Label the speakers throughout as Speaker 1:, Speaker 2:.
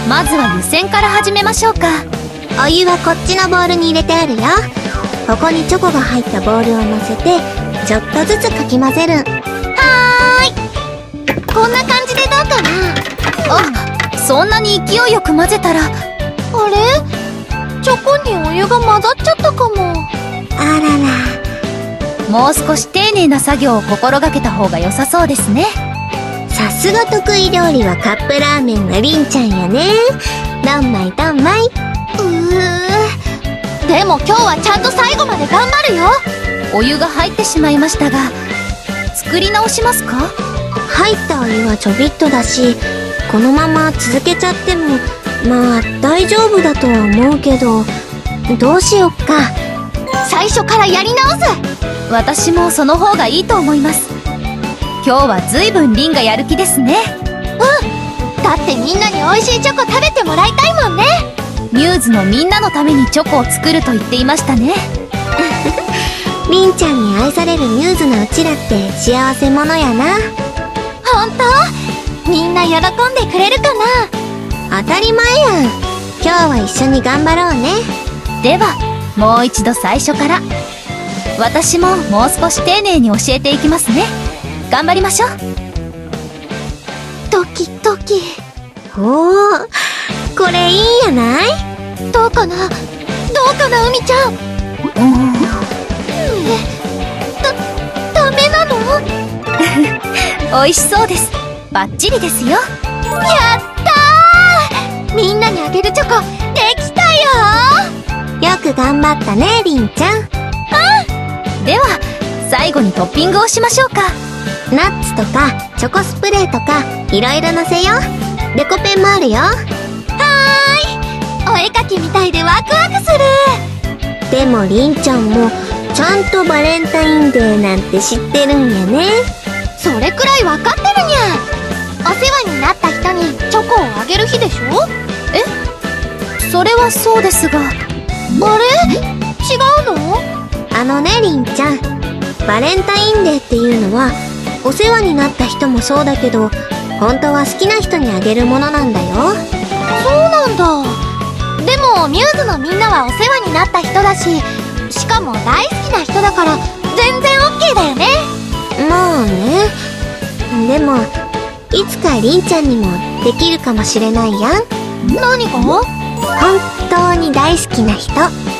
Speaker 1: まずは湯煎から始めましょうか。
Speaker 2: お湯はこっちのボウルに入れてあるよ。ここにチョコが入ったボウルを乗せてちょっとずつかき混ぜる。
Speaker 3: こんな感じでどうかな。
Speaker 1: あ、そんなに勢いよく混ぜたら。
Speaker 3: あれ、チョコにお湯が混ざっちゃったかも。
Speaker 2: あらら。
Speaker 1: もう少し丁寧な作業を心がけた方が良さそうですね。
Speaker 2: さすが得意料理はカップラーメンのりんちゃんやね。どんまいどんまい。
Speaker 3: でも今日はちゃんと最後まで頑張るよ。
Speaker 1: お湯が入ってしまいましたが、作り直しますか？
Speaker 2: 入ったお湯はちょびっとだし、このまま続けちゃってもまあ大丈夫だとは思うけど、どうしよっか。
Speaker 3: 最初からやり直す。
Speaker 1: 私もその方がいいと思います。今日は随分リンがやる気ですね。
Speaker 3: だってみんなに美味しいチョコ食べてもらいたいもんね。
Speaker 1: ミューズのみんなのためにチョコを作ると言っていましたね。
Speaker 2: りんちゃんに愛されるミューズのうちらって幸せ者やな。
Speaker 3: ほんと？みんな喜んでくれるか
Speaker 2: 当たり前やん。今日は一緒に頑張ろうね。
Speaker 1: ではもう一度最初から。私ももう少し丁寧に教えていきますね。頑張りましょう。
Speaker 3: ドキドキ。
Speaker 2: おー、これいいんやない？
Speaker 3: どうかな、どうかな、海ちゃん。ダメなの？
Speaker 1: 美味しそうです。バッチリですよ。
Speaker 3: やったー！みんなにあげるチョコできたよ。
Speaker 2: よく頑張ったね、りんちゃん。
Speaker 1: では最後にトッピングをしましょうか。
Speaker 2: ナッツとかチョコスプレーとかいろいろのせよう。デコペンもあるよ。
Speaker 3: お絵かきみたいでワクワクする。
Speaker 2: でもりんちゃんもちゃんとバレンタインデーなんて知ってるんやね。
Speaker 3: それくらいわかってるにゃ。お世話になった人にチョコをあげる日でしょ。
Speaker 1: それはそうですが。
Speaker 3: あれ？違うの？
Speaker 2: りんちゃん、バレンタインデーっていうのはお世話になった人もそうだけど、本当は好きな人にあげるものなんだよ。
Speaker 3: そうなんだ。でもミューズのみんなはお世話になった人だし、しかも大好きな人だから全然 OK だよね。
Speaker 2: まあね。でもいつかりんちゃんにもできるかもしれないやん。
Speaker 3: 何が？
Speaker 2: 本当に大好きな人。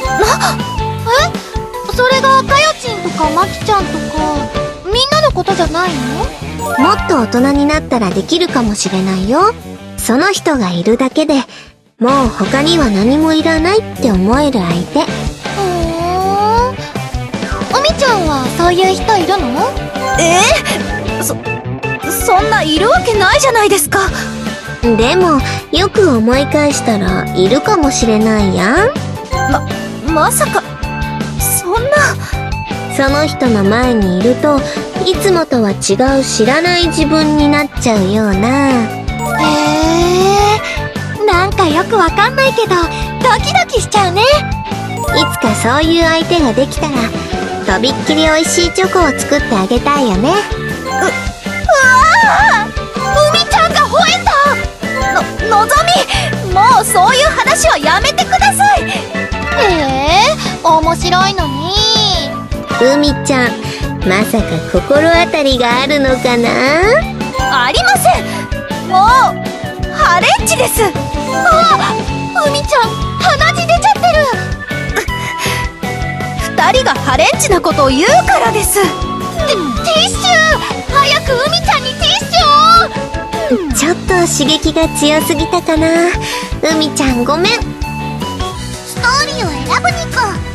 Speaker 3: それがかよちんとかまきちゃんとかみんなのことじゃないの？
Speaker 2: もっと大人になったらできるかもしれないよ。その人がいるだけでもう他には何もいらないって思える相手。
Speaker 3: おみちゃんはそういう人いるの？
Speaker 1: そんないるわけないじゃないですか。
Speaker 2: でもよく思い返したらいるかもしれないやん。
Speaker 1: まさかそんな。
Speaker 2: その人の前にいるといつもとは違う知らない自分になっちゃうような。
Speaker 3: なんかよくわかんないけどドキドキしちゃうね。
Speaker 2: いつかそういう相手ができたらとびっきり美味しいチョコを作ってあげたいよね。
Speaker 3: 海ちゃんが吠えた。
Speaker 1: のぞみ、もうそういう話はやめてください。
Speaker 3: 面白いのに。
Speaker 2: 海ちゃん、まさか心当たりがあるのかな？
Speaker 1: ありません。もうハレンチです。
Speaker 3: 海ちゃん鼻血出ちゃってる。
Speaker 1: 2人がハレンチなことを言うからです。
Speaker 3: ティッシュ、早く海ちゃんにティッシュを。
Speaker 2: ちょっと刺激が強すぎたかな。海ちゃんごめん。
Speaker 3: ストーリーを選ぶにか。